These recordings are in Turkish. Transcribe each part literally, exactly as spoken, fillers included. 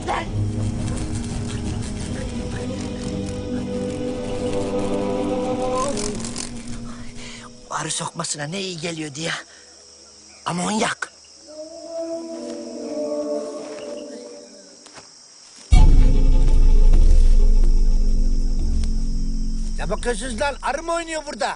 Lan! Arı sokmasına ne iyi geliyordu ya. Amonyak. Ne bakıyorsunuz lan? Arı mı oynuyor burada?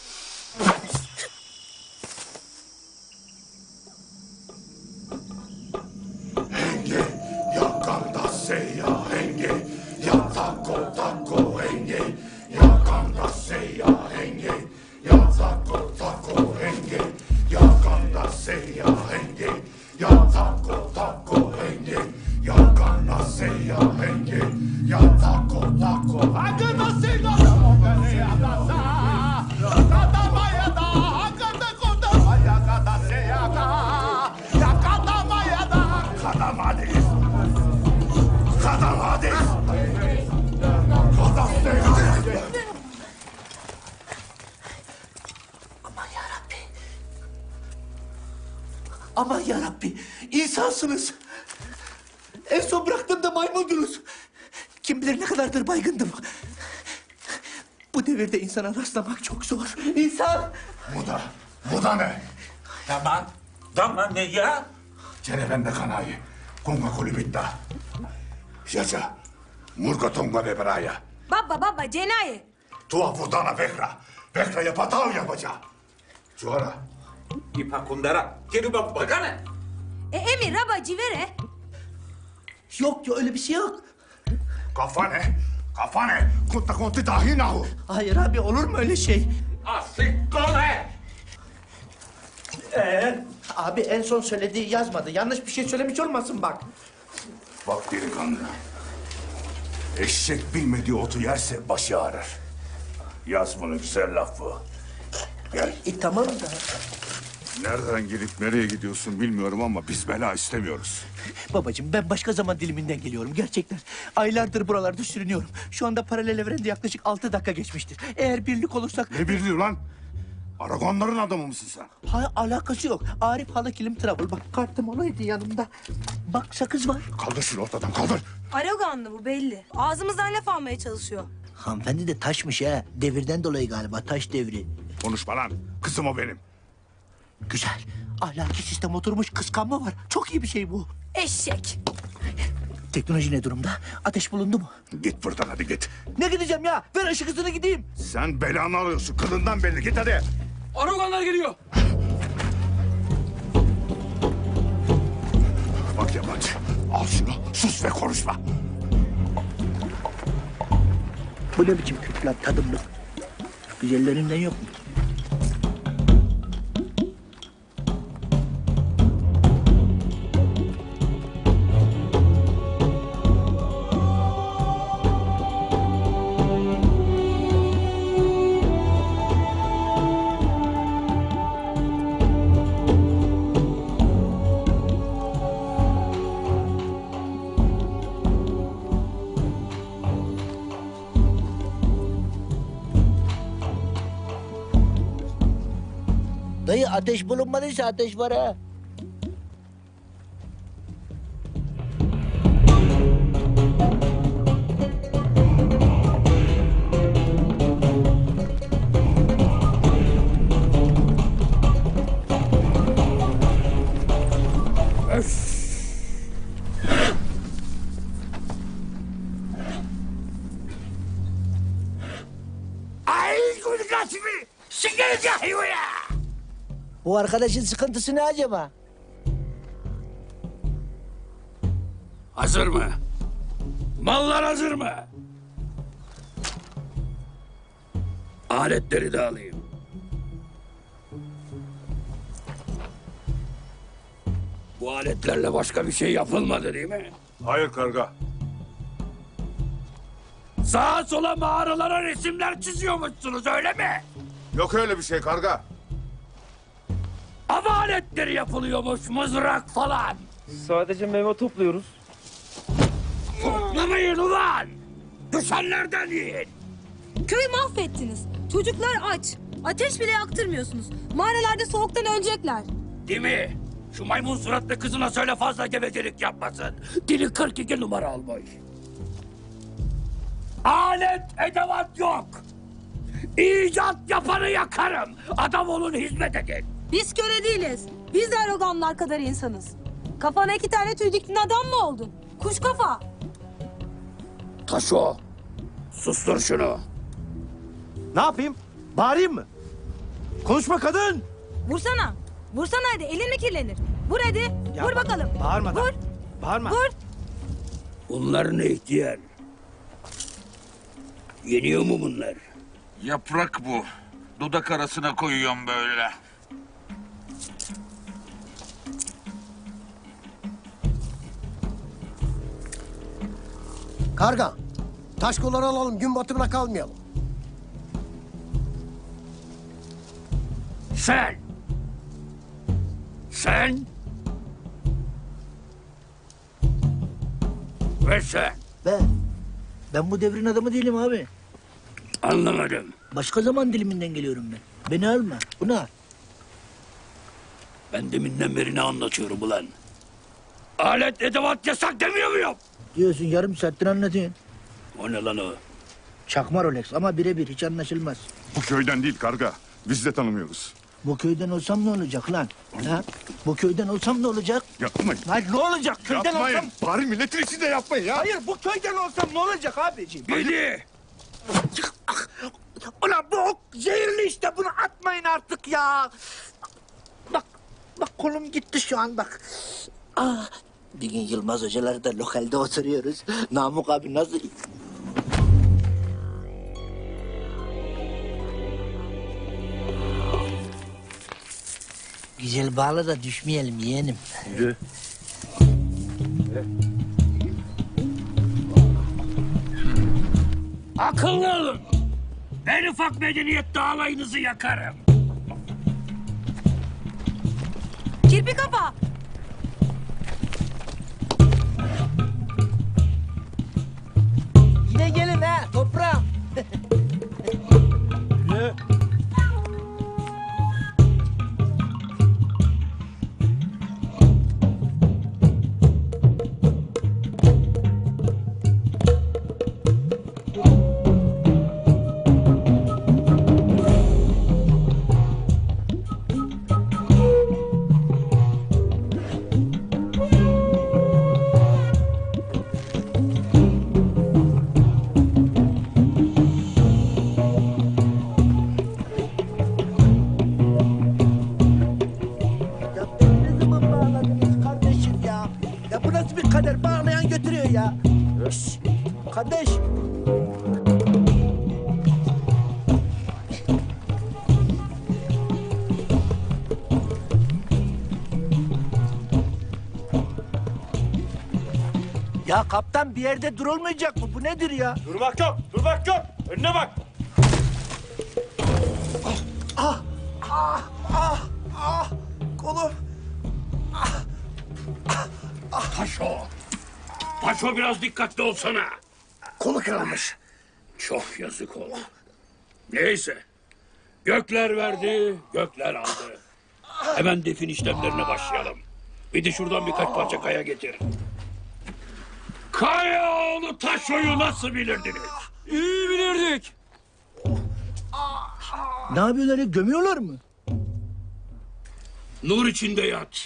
Henge, yakanda seya henge, ya tako tako henge, yakanda seya henge, ya tako tako henge, yakanda seya henge, ya tako tako henge, yakanda seya henge, ya tako tako hakanda seya Kadamades! Kadamades! Kadamades! Aman yarabbi. Aman yarabbi. İnsansınız. En son bıraktığımda maymundunuz. Kim bilir ne kadardır baygındım. Bu devirde insana rastlamak çok zor. İnsan. Bu da, bu da ne? Tamam. Tamam ne ya? Cerevende kanayı. Kunga kulibitta. Yaşa. Murga tonga beberaya. Baba baba cenaye. Tua vurdana bekra. Bekra'ya patav yapacağım. Çuara. İpa kundara. Geri bak bakana. E Emir raba civere. Yok ya öyle bir şey yok. Kafane. Kafane. Kutta konti dahi nahu. Hayır abi olur mu öyle şey? Asik kole. Ee? Abi en son söylediği yazmadı. Yanlış bir şey söylemiş olmasın bak. Bak delikanlı. Eşek bilmediği otu yerse başı ağrır. Yaz bunu, güzel laf bu. Gel. E tamam da. Nereden gelip nereye gidiyorsun bilmiyorum ama biz bela istemiyoruz. Babacığım ben başka zaman diliminden geliyorum gerçekten. Aylardır buralarda sürünüyorum. Şu anda paralel evrende yaklaşık altı dakika geçmiştir. Eğer birlik olursak... Ne birliği lan? Aragonların adamı mısın sen? Ha, alakası yok. Arif Halı Kilim Travel. Bak kartım olaydı yanımda. Bak sakız var. Kaldır şunu ortadan, kaldır. Araganlı bu belli. Ağzımızdan laf almaya çalışıyor. Hanımefendi de taşmış ha. Devirden dolayı galiba taş devri. Konuşma lan. Kızım o benim. Güzel. Ahlaki sistem oturmuş kıskanma var. Çok iyi bir şey bu. Eşek. Teknoloji ne durumda? Ateş bulundu mu? Git buradan hadi git. Ne gideceğim ya? Ver ışık hızını gideyim. Sen belanı alıyorsun. Kılından belli. Git hadi. Aragonlar geliyor. Bak yabancı. Al şunu. Sus ve konuşma. Bu ne biçim Kürt lan tadımlık? Güzellerinden yok mu? Dayı ateş bulunmadıysa ateş var ha. Ay kulikasimi. Sikeriz ya ya. Bu arkadaşın sıkıntısı ne acaba? Hazır mı? Mallar hazır mı? Aletleri de alayım. Bu aletlerle başka bir şey yapılmadı değil mi? Hayır karga. Sağa sola mağaralara resimler çiziyormuşsunuz öyle mi? Yok öyle bir şey karga. Av aletleri yapılıyormuş, mızrak falan. Sadece meyve topluyoruz. Toplamayın ulan! Düşenlerden yiyin! Köyü mahvettiniz. Çocuklar aç. Ateş bile yaktırmıyorsunuz. Mağaralarda soğuktan ölecekler. Değil mi? Şu maymun suratlı kızına söyle fazla gevezelik yapmasın. Dili kırk iki numara olmuş. Alet edevat yok. İcat yapanı yakarım. Adam olun, hizmet edin. Biz köle değiliz. Biz de Aragonlar kadar insanız. Kafana iki tane tüy diktin adam mı oldun? Kuş kafa. Taşo, sustur şunu. Ne yapayım? Bağırayım mı? Konuşma kadın! Vursana. Vursana hadi elin mi kirlenir? Vur hadi. Ya Vur bak, bakalım. bağırma da. Vur. Bağırma. Vur. Bunlar ne ihtiyar? Yeniyor mu bunlar? Yaprak bu. Dudak arasına koyuyorum böyle. Karga, taş kolları alalım, gün batımına kalmayalım. Sen! Sen! Ve sen! Ben, ben bu devrin adamı değilim abi. Anlamadım. Başka zaman diliminden geliyorum ben. Beni alma, bunu al. Ben deminden beri ne anlatıyorum ulan? Alet edevat yasak demiyor muyum? Diyorsun yarım saattir anlatıyorsun. O ne lan o? Çakma Rolex ama birebir hiç anlaşılmaz. Bu köyden değil karga. Biz de tanımıyoruz. Bu köyden olsam ne olacak lan? Ha? Bu köyden olsam ne olacak? Yapmayın. Lan ne olacak köyden Yapmayın. olsam? Bari milletin içinde yapmayın ya. Hayır bu köyden olsam ne olacak abiciğim? Gidi! Ulan bu ok zehirli işte bunu atmayın artık ya. Bak bak kolum gitti şu an bak. Ah, bir gün Yılmaz hocalar da lokalde oturuyoruz. Namık abi nasıl... Güzel bağla da düşmeyelim yeğenim. Yürü. Akıllı olun! En ufak medeniyette alayınızı yakarım. Kirpi kafa. Yine gelin ha toprağım. Yürü. Ya beni ne zaman bağladınız kardeşim ya? Ya bu nasıl bir kader? Bağlayan götürüyor ya. Şşş, kardeş. Ya kaptan bir yerde durulmayacak mı? Bu nedir ya? Durmak yok, durmak yok. Önüne bak. Kolum. Taşo! Taşo biraz dikkatli olsana. Kolu kırılmış. Çok yazık oldu. Neyse. Gökler verdi, gökler aldı. Hemen defin işlemlerine başlayalım. Bir de şuradan birkaç parça kaya getir. Kayaoğlu Taşo'yu nasıl bilirdiniz? İyi bilirdik. Ne yapıyorlar ya? Gömüyorlar mı? Nur içinde yat.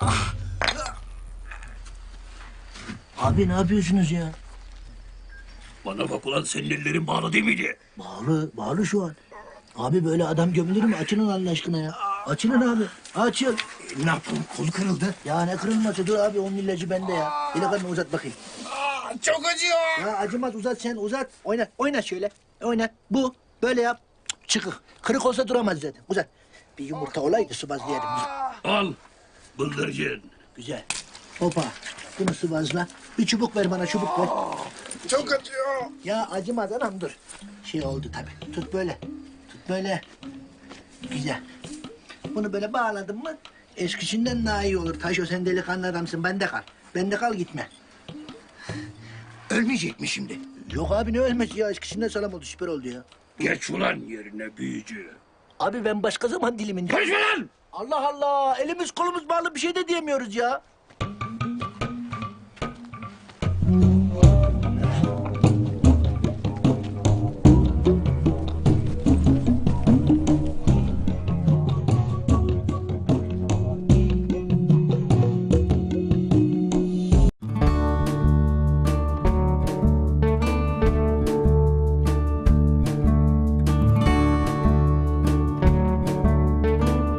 Abi ne yapıyorsunuz ya? Bana bak ulan, senin ellerin bağlı değil miydi? Bağlı, bağlı şu an. Abi böyle adam gömülür mü? Açılın Allah aşkına ya. Açılın abi. Açıl. Ne yapalım, kolu kırıldı. Ya ne kırılması? Dur abi onun ilacı bende ya. İlakanı uzat bakayım. Çok acıyor. Ya acımaz uzat sen uzat. Oynat, oynat şöyle. Oynat. Bu. Böyle yap. Çıkık. Kırık olsa duramaz zaten. Uzat. Bir yumurta olaydı sıvazlayalım. Al. Bıldırcın. Güzel. Hopa. Bunu sıvazla. Bir çubuk ver bana çubuk ver. Çok acıyor. Ya acımaz anam dur. Şey oldu tabii. Tut böyle. Tut böyle. Güzel. Bunu böyle bağladın mı eskisinden daha iyi olur. Taşo sen delikanlı adamsın. Bende kal. Bende kal gitme. Ölmeyecek mi şimdi? Yok abi ne ölmesi ya. Eskisinden sağlam oldu. Süper oldu ya. Geç ulan yerine büyücü. Abi ben başka zaman diliminde... Konuşma lan! Allah Allah, elimiz kolumuz bağlı bir şey de diyemiyoruz ya.